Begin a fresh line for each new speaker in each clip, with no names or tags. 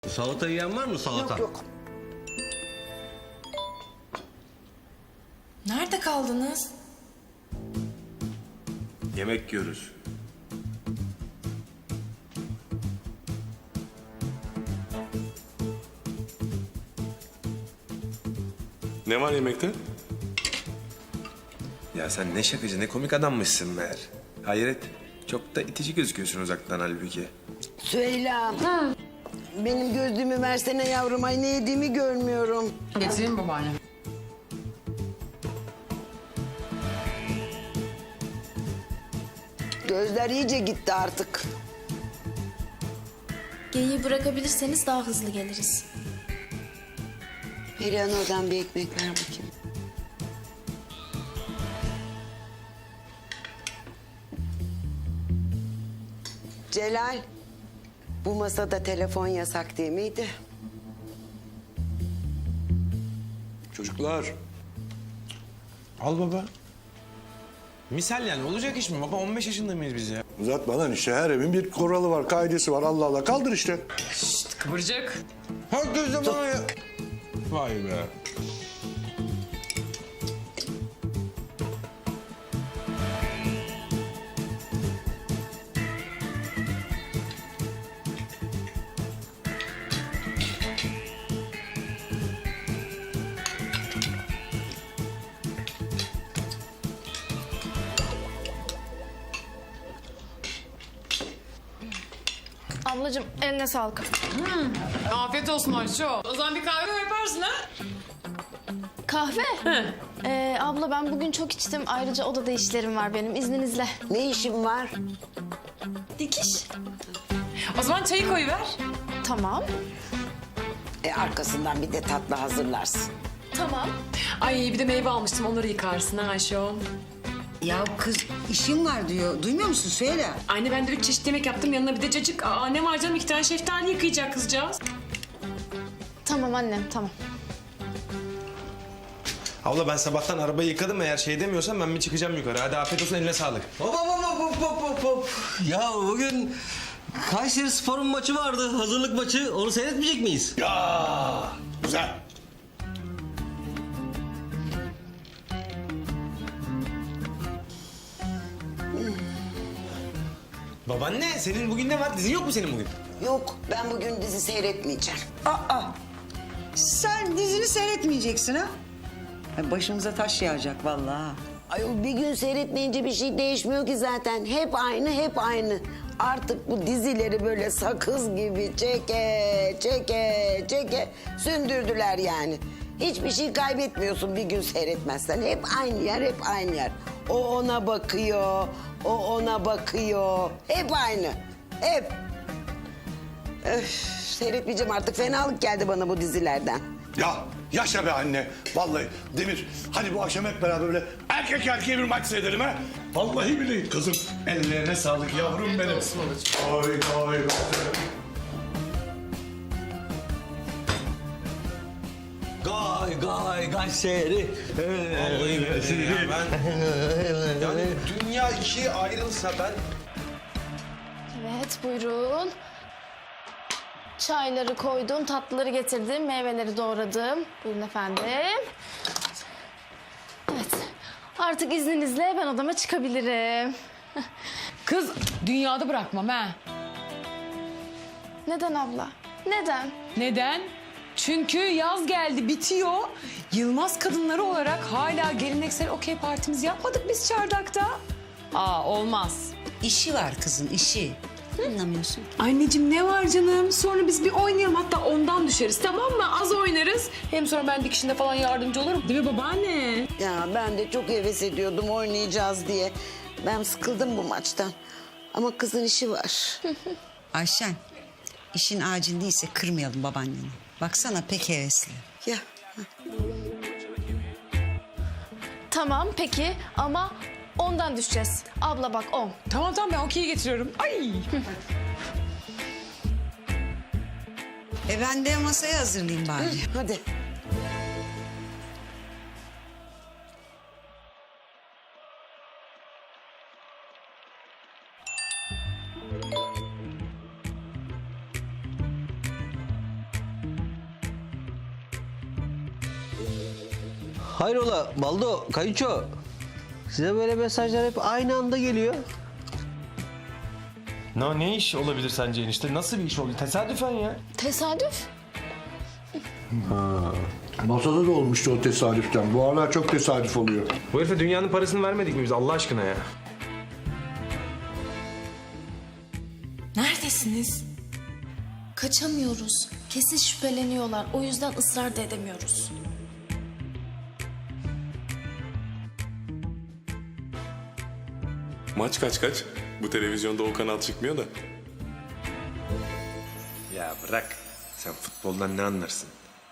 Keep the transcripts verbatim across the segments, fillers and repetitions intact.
Salata yiyen var mı salata?
Yok yok.
Nerede kaldınız?
Yemek yiyoruz.
Ne var yemekte?
Ya sen ne şakacı, ne komik adammışsın meğer. Hayret, çok da itici gözüküyorsun uzaktan halbuki.
Süheyla. Benim gözlüğümü versene yavrum. Ay ne yediğimi görmüyorum.
Getireyim babaanne.
Gözler iyice gitti artık.
Geyiği bırakabilirseniz daha hızlı geliriz.
Perihan oradan bir ekmek ver bakayım. Celal, bu masada telefon yasak değil miydi?
Çocuklar.
Al baba. Misal yani olacak iş mi baba? on beş yaşında mıyız biz ya?
Uzatma lan işte, her evin bir kuralı var, kaidesi var. Allah Allah, kaldır işte.
Kıvırcık.
Herkes de bana ya. Vay be.
Ablacığım eline sağlık.
Afiyet olsun Ayşe. O zaman bir kahve yaparsın ha?
Kahve? Ee, abla ben bugün çok içtim. Ayrıca odada işlerim var benim. İzninizle.
Ne işin var?
Dikiş.
O zaman çayı koyuver.
Tamam.
E, arkasından bir de tatlı hazırlarsın.
Tamam.
Ay bir de meyve almıştım, onları yıkarsın ha Ayşe.
Ya kız işim var diyor. Duymuyor musun? Söyle.
Anne ben de üç çeşit yemek yaptım, yanına bir de cacık. Aa ne var canım, iki tane şeftali yıkayacak kızcağız.
Tamam annem tamam.
Abla ben sabahtan arabayı yıkadım, eğer şey demiyorsan ben bir çıkacağım yukarı. Hadi afiyet olsun, eline sağlık.
Hop hop hop hop hop hop hop. Ya bugün Kayseri Spor'un maçı vardı. Hazırlık maçı. Onu seyretmeyecek miyiz?
Ya güzel.
Babaanne senin bugün ne var? Dizin yok mu senin bugün?
Yok, ben bugün dizi seyretmeyeceğim.
Aa, sen dizini seyretmeyeceksin ha? Ay, başımıza taş yağacak vallahi.
Ay bir gün seyretmeyince bir şey değişmiyor ki zaten. Hep aynı, hep aynı. Artık bu dizileri böyle sakız gibi çeke, çeke, çeke sündürdüler yani. Hiçbir şey kaybetmiyorsun bir gün seyretmezsen. Hep aynı yer, hep aynı yer. O ona bakıyor, o ona bakıyor. Hep aynı, hep. Öf, seyretmeyeceğim artık. Fenalık geldi bana bu dizilerden.
Ya yaşa be anne. Vallahi Demir, hadi bu akşam hep beraber böyle erkek erkeğe bir maç seyredelim ha. Vallahi billahi kızım. Ellerine sağlık yavrum benim. Oy oy oy.
Gay gay Kayseri.
Vallahi billahi ya ben... Yani dünya ikiye ayrılsa ben...
Evet buyurun. Çayları koydum, tatlıları getirdim, meyveleri doğradım. Buyurun efendim. Evet. Artık izninizle ben odama çıkabilirim.
Kız dünyada bırakmam ha.
Neden abla? Neden?
Neden? Çünkü yaz geldi, bitiyor. Yılmaz kadınları olarak hala geleneksel okey partimizi yapmadık biz çardakta. Aa olmaz.
İşi var kızın işi. Anlamıyorsun.
Anneciğim ne var canım? Sonra biz bir oynayalım, hatta ondan düşeriz, tamam mı? Az oynarız. Hem sonra ben dikişinde falan yardımcı olurum. Değil mi babaanne?
Ya ben de çok heves ediyordum oynayacağız diye. Ben sıkıldım bu maçtan. Ama kızın işi var.
Ayşen, işin acil değilse kırmayalım babaanneni. Baksana pek hevesli.
Ya
Tamam peki ama ondan düşeceğiz. Abla bak on.
Tamam tamam, ben okeyi getiriyorum. Ay.
E ben de masayı hazırlayayım bari.
hadi.
Hayrola Baldo, kayınço. Size böyle mesajlar hep aynı anda geliyor.
Ne, ne iş olabilir sence enişte? Nasıl bir iş oldu? Tesadüfen ya.
Tesadüf.
Masada da olmuştu o tesadüften. Bu aralar çok tesadüf oluyor.
Bu herife dünyanın parasını vermedik mi biz Allah aşkına ya?
Neredesiniz? Kaçamıyoruz. Kesin şüpheleniyorlar. O yüzden ısrar da edemiyoruz.
Maç kaç kaç? Bu televizyonda o kanal çıkmıyor da.
Ya bırak. Sen futboldan ne anlarsın?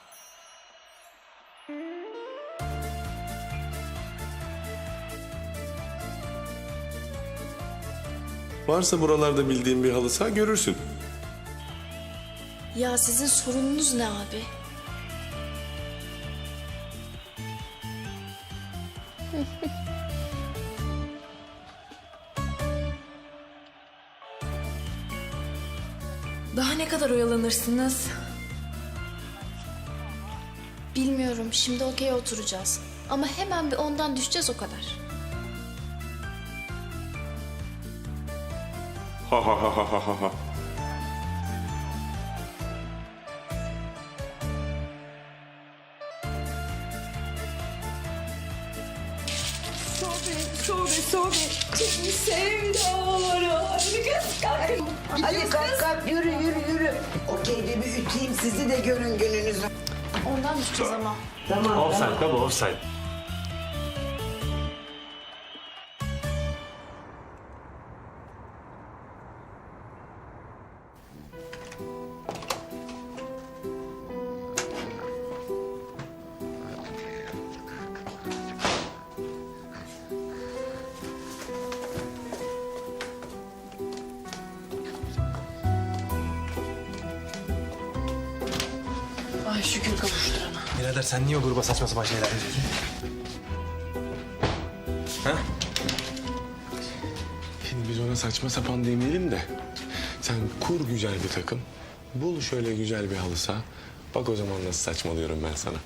Varsa buralarda bildiğin bir halı saha görürsün.
Ya sizin sorununuz ne abi? Daha ne kadar oyalanırsınız? Bilmiyorum. Şimdi okey oturacağız. Ama hemen bir ondan düşeceğiz o kadar.
Ha ha ha ha ha ha.
Hadi kalk kalk yürü yürü yürü. Okeyde bir üteyim sizi de görün gününüzü.
Ondan düşeceğiz ama.
Offside baba offside.
Ay şükür kavuşturana.
Birader sen niye o gruba saçma sapan şeyler yazıyorsun? Ha?
Şimdi biz ona saçma sapan demeyelim de. Sen kur güzel bir takım. Bul şöyle güzel bir halı saha. Bak o zaman nasıl saçmalıyorum ben sana.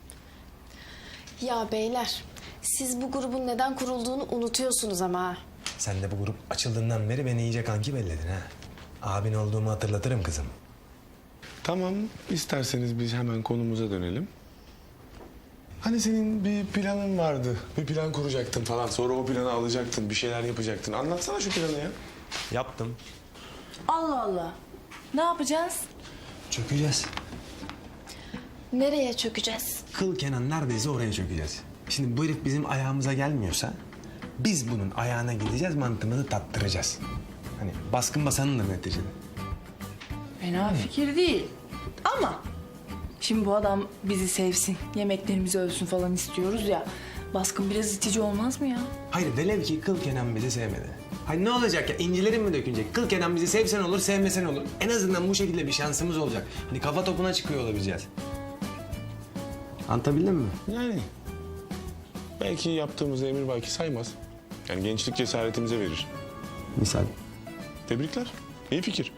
Ya beyler, siz bu grubun neden kurulduğunu unutuyorsunuz ama ha.
Sen de bu grup açıldığından beri beni iyice kanki belledin ha. Abin olduğumu hatırlatırım kızım.
Tamam, isterseniz biz hemen konumuza dönelim. Hani senin bir planın vardı. Bir plan kuracaktın falan. Sonra o planı alacaktın, bir şeyler yapacaktın. Anlatsana şu planı ya.
Yaptım.
Allah Allah. Ne yapacağız?
Çökeceğiz.
Nereye çökeceğiz?
Kıl Kenan neredeyse oraya çökeceğiz. Şimdi bu herif bizim ayağımıza gelmiyorsa... biz bunun ayağına gideceğiz, mantığımızı tattıracağız. Hani baskın basanındır neticede.
Fena fikir değil. Ama şimdi bu adam bizi sevsin, yemeklerimizi ölsün falan istiyoruz ya. Baskın biraz itici olmaz mı ya?
Hayır, velev ki Kıl Kenan bizi sevmedi. Hayır ne olacak ya? İncilerin mi dökülecek? Kıl Kenan bizi sevsen olur, sevmesen olur. En azından bu şekilde bir şansımız olacak. Hani kafa topuna çıkıyor olabileceğiz. Anlatabildim mi?
Yani belki yaptığımız emir belki saymaz. Yani gençlik cesaretimize verir.
Misal.
Tebrikler. İyi fikir.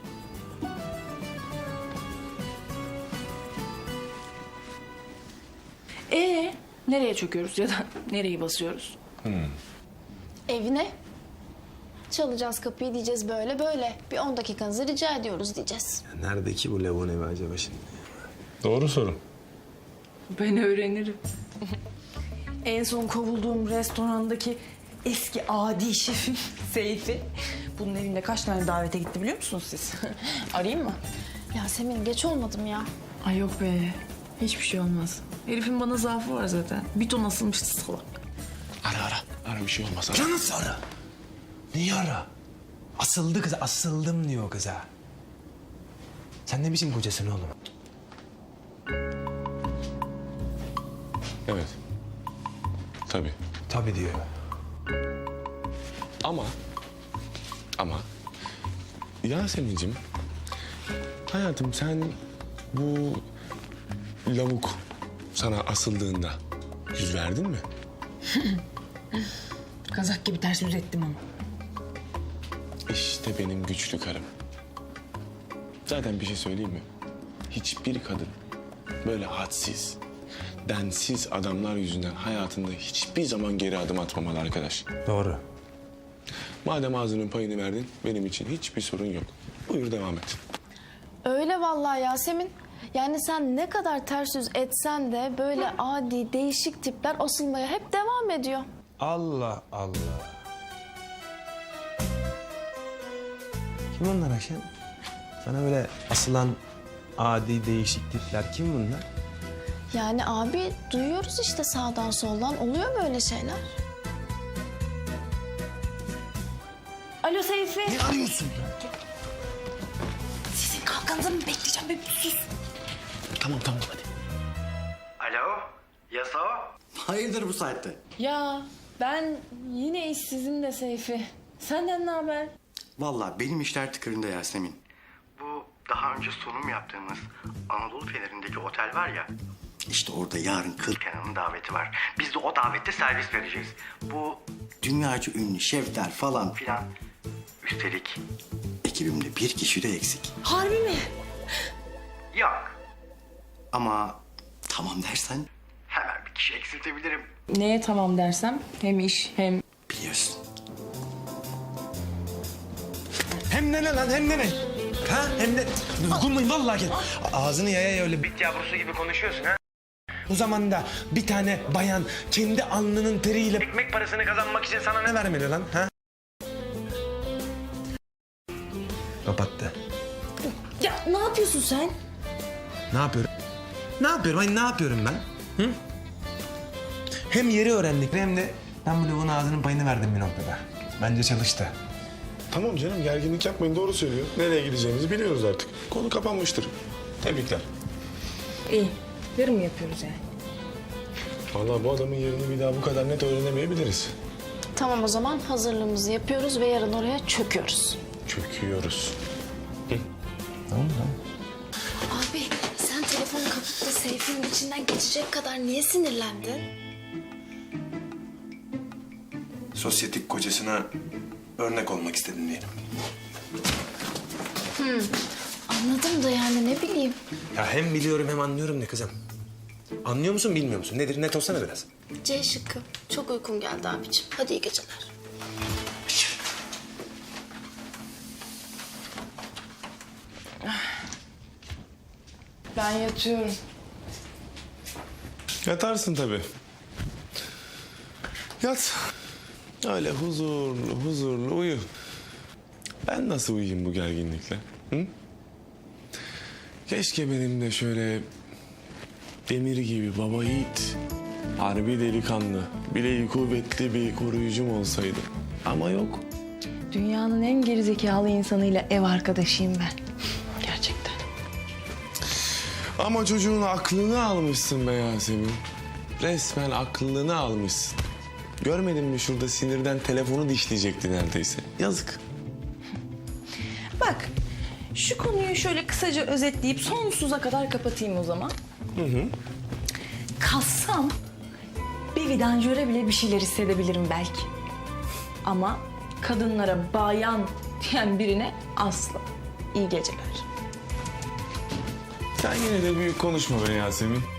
Ee, nereye çöküyoruz ya da nereyi basıyoruz?
Evine. Çalacağız kapıyı diyeceğiz böyle böyle. Bir on dakikanızı rica ediyoruz diyeceğiz.
Ya nerede ki bu lavun evi acaba şimdi?
Doğru soru.
Ben öğrenirim. En son kovulduğum restorandaki eski adi şefim Seyfi. Bunun evinde kaç tane davete gitti biliyor musunuz siz? Arayayım mı?
Yasemin geç olmadım ya.
Ay yok be. Hiçbir şey olmaz. Herifin bana zaafı var zaten. Bir ton asılmıştı salak.
Ara ara. Ara bir şey olmaz. Ara.
Ya nasıl ara? Niye ara? Asıldı kıza, asıldım diyor kıza. Sen ne biçim kocasın oğlum?
Evet. Tabii.
Tabii diyor.
Ama ama Yasemin'cim hayatım sen bu lavuk sana asıldığında yüz verdin mi?
Kazak gibi ters yüz ettim ama.
İşte benim güçlü karım. Zaten bir şey söyleyeyim mi? Hiçbir kadın böyle hadsiz, densiz adamlar yüzünden hayatında hiçbir zaman geri adım atmamalı arkadaş.
Doğru.
Madem ağzının payını verdin, benim için hiçbir sorun yok. Buyur devam et.
Öyle vallahi Yasemin. Yani sen ne kadar ters yüz etsen de böyle adi değişik tipler asılmaya hep devam ediyor.
Allah Allah. Kim onlar Ayşen? Sana böyle asılan adi değişik tipler kim bunlar?
Yani abi duyuyoruz işte sağdan soldan oluyor böyle şeyler.
Alo Seyfi.
Ne arıyorsun?
Sizin kalkanızı mı bekleyeceğim be? Sus.
Tamam tamam hadi.
Alo, Yaso? Hayırdır bu saatte?
Ya ben yine işsizim de Seyfi. Senden ne haber?
Vallahi benim işler tıkırında Yasemin. Bu daha önce sunum yaptığımız Anadolu Feneri'ndeki otel var ya... İşte orada yarın Kıl Kenan'ın daveti var. Biz de o davette servis vereceğiz. Bu dünyaca ünlü şefler falan filan. Üstelik ekibimde bir kişi de eksik.
Harbi mi?
Yok. Ama tamam dersen hemen bir kişi eksiltebilirim.
Neye tamam dersem hem iş hem...
Biliyorsun.
Hem ne lan hem ne ne? Ha hem ne? Dokunmayın vallahi gel. Ağzını yaya yaya öyle bit yavrusu gibi konuşuyorsun ha. Bu zamanda bir tane bayan kendi alnının teriyle ekmek parasını kazanmak için sana ne vermeli lan ha? Kapattı.
Ya ne yapıyorsun sen?
Ne yapıyorum? Ne yapıyorum? Ay ne yapıyorum ben? Hı? Hem yeri öğrendik hem de ben bu lavuğun ağzının payını verdim bir noktada. Bence çalıştı.
Tamam canım, gerginlik yapmayın, doğru söylüyor. Nereye gideceğimizi biliyoruz artık. Konu kapanmıştır. Tebrikler.
İyi. Yarın mı yapıyoruz yani?
Vallahi bu adamın yerini bir daha bu kadar net öğrenemeyebiliriz.
Tamam o zaman hazırlığımızı yapıyoruz ve yarın oraya çöküyoruz.
Çöküyoruz.
Tamam tamam.
Abi sen telefonu kapıp da Seyfi'nin içinden geçecek kadar niye sinirlendin?
Sosyetik kocasına örnek olmak istedim diyelim.
Anladım da yani ne bileyim.
Ya hem biliyorum hem anlıyorum ne kızım. Anlıyor musun bilmiyor musun? Nedir net olsana biraz.
C şıkkı. Çok uykum geldi abicim. Hadi iyi geceler.
Ben yatıyorum.
Yatarsın tabii. Yat. Öyle huzurlu huzurlu uyu. Ben nasıl uyuyayım bu gerginlikle? Hı? Keşke benim de şöyle demir gibi baba yiğit, harbi delikanlı, bileği kuvvetli bir koruyucum olsaydı. Ama yok.
Dünyanın en gerizekalı insanıyla ev arkadaşıyım ben. Gerçekten.
Ama çocuğun aklını almışsın be Yasemin. Resmen aklını almışsın. Görmedin mi şurada sinirden telefonu dişleyecekti neredeyse. Yazık.
Bak, şu konuyu şöyle kısaca özetleyip sonsuza kadar kapatayım o zaman. Hı hı. Kalsam bir vidanjöre bile bir şeyler hissedebilirim belki. Ama kadınlara bayan diyen birine asla. İyi geceler.
Sen yine de büyük konuşma be Yasemin.